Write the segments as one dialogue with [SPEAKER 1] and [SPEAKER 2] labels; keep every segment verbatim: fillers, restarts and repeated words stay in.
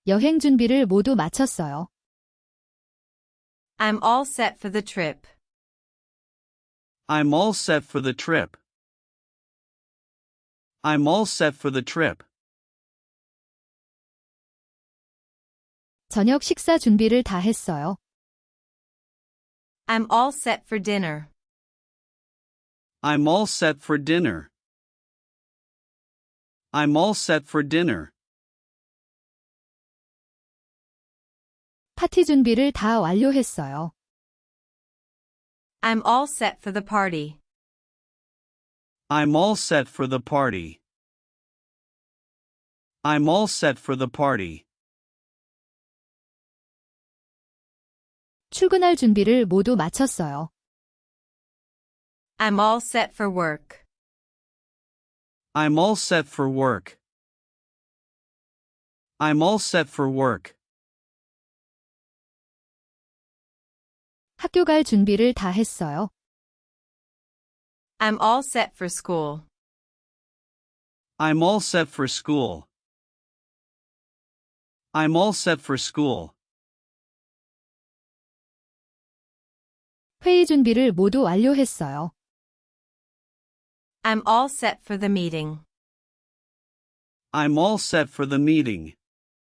[SPEAKER 1] 여행 준비를 모두 마쳤어요.
[SPEAKER 2] I'm all set for the trip.
[SPEAKER 3] I'm all set for the trip. I'm all set for the trip.
[SPEAKER 1] 저녁 식사 준비를 다 했어요.
[SPEAKER 2] I'm all set for dinner.
[SPEAKER 3] I'm all set for dinner. I'm all set for dinner.
[SPEAKER 1] 파티 준비를 다 완료했어요.
[SPEAKER 2] I'm all set for the party.
[SPEAKER 3] I'm all set for the party. I'm all set for the party.
[SPEAKER 1] 출근할 준비를 모두 마쳤어요.
[SPEAKER 2] I'm all set for work.
[SPEAKER 3] I'm all set for work. I'm all set for work.
[SPEAKER 1] 학교 갈 준비를 다 했어요.
[SPEAKER 2] I'm all set for school.
[SPEAKER 3] I'm all set for school. I'm all set for school.
[SPEAKER 1] 회의 준비를 모두 완료했어요.
[SPEAKER 2] I'm all set for the meeting.
[SPEAKER 3] I'm all set for the meeting.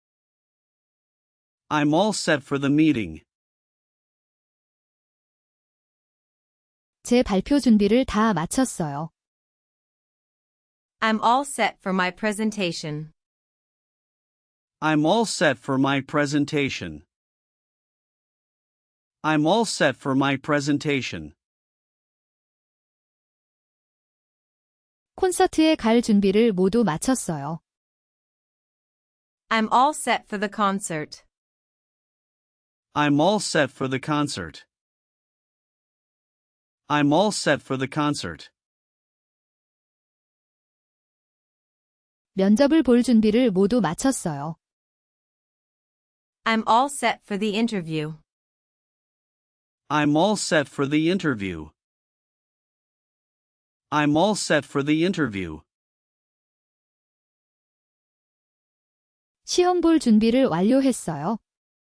[SPEAKER 3] I'm all set for the meeting.
[SPEAKER 1] 제 발표 준비를 다 마쳤어요.
[SPEAKER 2] I'm all set for my presentation.
[SPEAKER 3] I'm all set for my presentation. I'm all set for my presentation.
[SPEAKER 1] 콘서트에 갈 준비를 모두 마쳤어요.
[SPEAKER 2] I'm all set for the concert.
[SPEAKER 3] I'm all set for the concert. I'm all set for the concert.
[SPEAKER 1] 면접을 볼 준비를 모두 마쳤어요.
[SPEAKER 2] I'm all set for the interview.
[SPEAKER 3] I'm all set for the interview. I'm all set for the interview.
[SPEAKER 1] 시험 볼 준비를 완료했어요.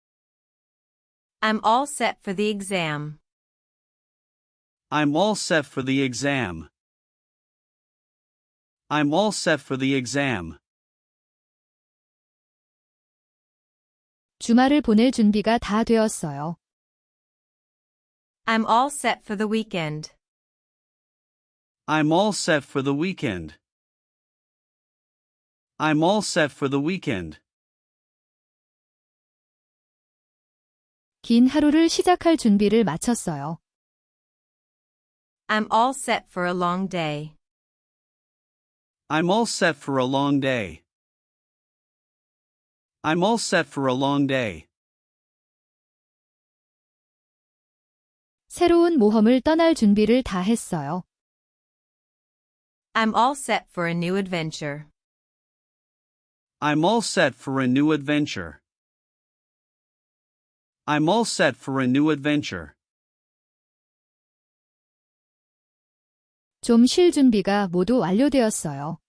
[SPEAKER 2] I'm all set for the exam.
[SPEAKER 3] I'm all set for the exam. I'm all set for the exam.
[SPEAKER 1] 주말을 보낼 준비가 다 되었어요.
[SPEAKER 2] I'm all set for the weekend.
[SPEAKER 3] I'm all set for the weekend. I'm all set for the weekend.
[SPEAKER 1] 긴 하루를 시작할 준비를 마쳤어요.
[SPEAKER 2] I'm all set for a long day.
[SPEAKER 3] I'm all set for a long day. I'm all set for a long day.
[SPEAKER 1] 새로운 모험을 떠날 준비를 다 했어요.
[SPEAKER 2] I'm all set for a new adventure.
[SPEAKER 3] I'm all set for a new adventure. I'm all set for a new adventure.
[SPEAKER 1] 좀 쉴 준비가 모두 완료되었어요.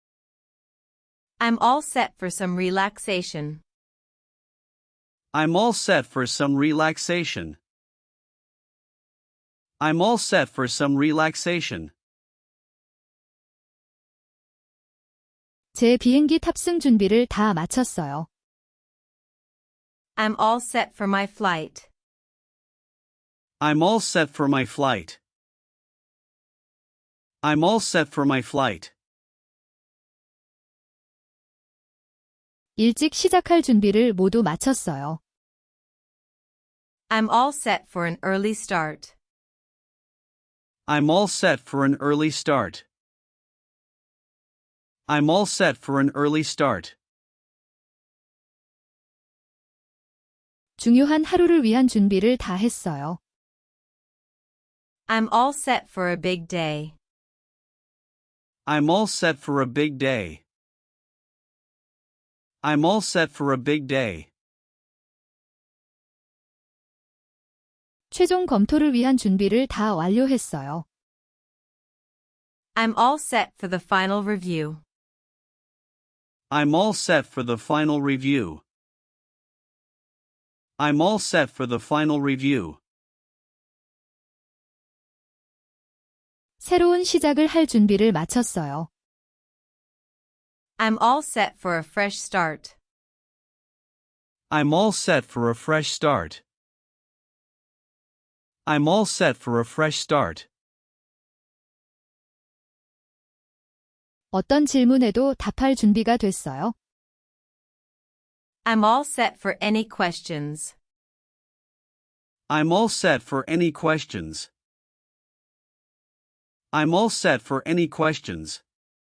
[SPEAKER 2] I'm all set for some relaxation.
[SPEAKER 3] I'm all set for some relaxation. I'm all set for some relaxation.
[SPEAKER 1] 제 비행기 탑승 준비를 다 마쳤어요.
[SPEAKER 2] I'm all set for my flight.
[SPEAKER 3] I'm all set for my flight. I'm all set for my flight.
[SPEAKER 1] 일찍 시작할 준비를 모두 마쳤어요.
[SPEAKER 2] I'm all set for an early start.
[SPEAKER 3] I'm all set for an early start. I'm all set for an early start.
[SPEAKER 1] 중요한 하루를 위한 준비를 다 했어요.
[SPEAKER 2] I'm all set for a big day.
[SPEAKER 3] I'm all set for a big day. I'm all set for a big day.
[SPEAKER 1] 최종 검토를 위한 준비를 다 완료했어요.
[SPEAKER 2] I'm all set for the final review.
[SPEAKER 3] I'm all set for the final review. I'm all set for the final review.
[SPEAKER 1] 새로운 시작을 할 준비를 마쳤어요.
[SPEAKER 2] I'm all set for a fresh start.
[SPEAKER 3] I'm all set for a fresh start. I'm all set for a fresh start.
[SPEAKER 1] 어떤 질문에도 답할 준비가 됐어요.
[SPEAKER 2] I'm all set for any questions.
[SPEAKER 3] I'm all set for any questions. I'm all set for any questions.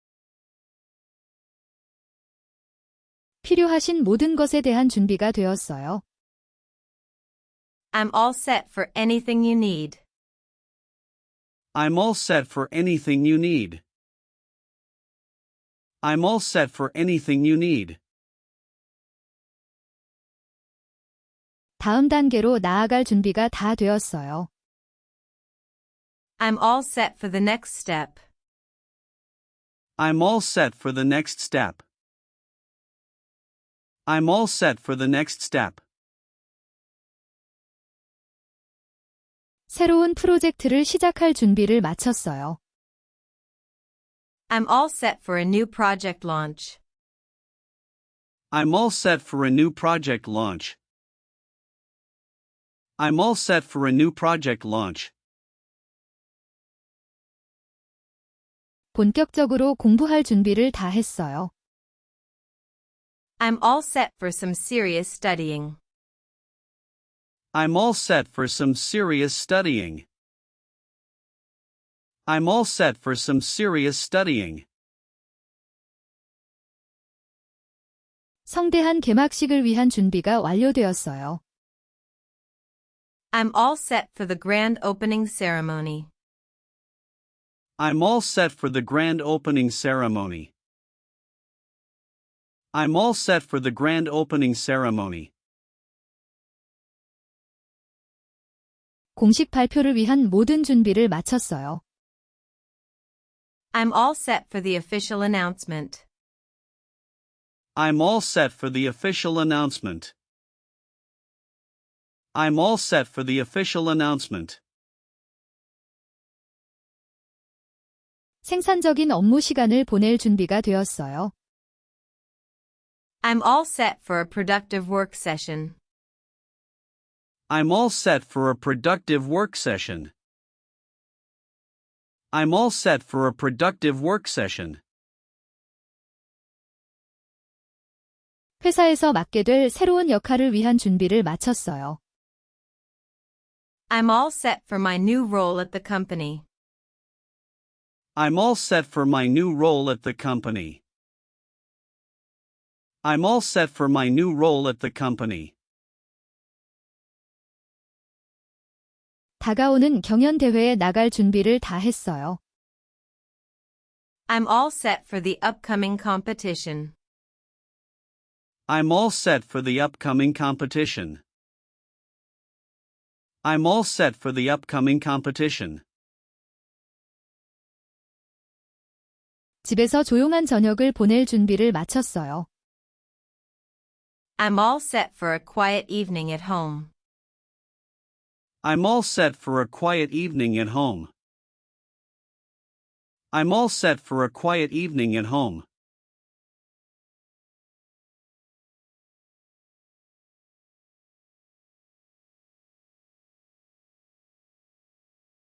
[SPEAKER 1] 필요하신 모든 것에 대한 준비가 되었어요.
[SPEAKER 2] I'm all set for anything you need.
[SPEAKER 3] I'm all set for anything you need. I'm all set for anything you need.
[SPEAKER 1] 다음 단계로 나아갈 준비가 다 되었어요.
[SPEAKER 2] I'm all set for the next step.
[SPEAKER 3] I'm all set for the next step. I'm all set for the next step.
[SPEAKER 1] 새로운 프로젝트를 시작할 준비를 마쳤어요.
[SPEAKER 2] I'm all set for a new project launch.
[SPEAKER 3] I'm all set for a new project launch. I'm all set for a new project launch.
[SPEAKER 1] 본격적으로 공부할 준비를 다 했어요.
[SPEAKER 2] I'm all set for some serious studying.
[SPEAKER 3] I'm all set for some serious studying. I'm all set for some serious studying.
[SPEAKER 1] 성대한 개막식을 위한 준비가 완료되었어요.
[SPEAKER 2] I'm all set for the grand opening ceremony.
[SPEAKER 3] I'm all set for the grand opening ceremony. I'm all set for the grand opening ceremony.
[SPEAKER 1] 공식 발표를 위한 모든 준비를 마쳤어요.
[SPEAKER 2] I'm all set for the official announcement.
[SPEAKER 3] I'm all set for the official announcement. I'm all set for the official announcement.
[SPEAKER 1] 생산적인 업무 시간을 보낼 준비가 되었어요.
[SPEAKER 2] I'm all set for a productive work session.
[SPEAKER 3] I'm all set for a productive work session. I'm all set for a productive work session.
[SPEAKER 1] 회사에서 맡게 될 새로운 역할을 위한 준비를 마쳤어요.
[SPEAKER 2] I'm all set for my new role at the company.
[SPEAKER 3] I'm all set for my new role at the company. I'm all set for my new role at the company.
[SPEAKER 1] 다가오는 경연대회에 나갈 준비를 다 했어요.
[SPEAKER 2] I'm all set for the upcoming competition.
[SPEAKER 3] I'm all set for the upcoming competition. I'm all set for the upcoming competition.
[SPEAKER 1] 집에서 조용한 저녁을 보낼 준비를 마쳤어요.
[SPEAKER 2] I'm all set for a quiet evening at home.
[SPEAKER 3] I'm all set for a quiet evening at home. I'm all set for a quiet evening at home.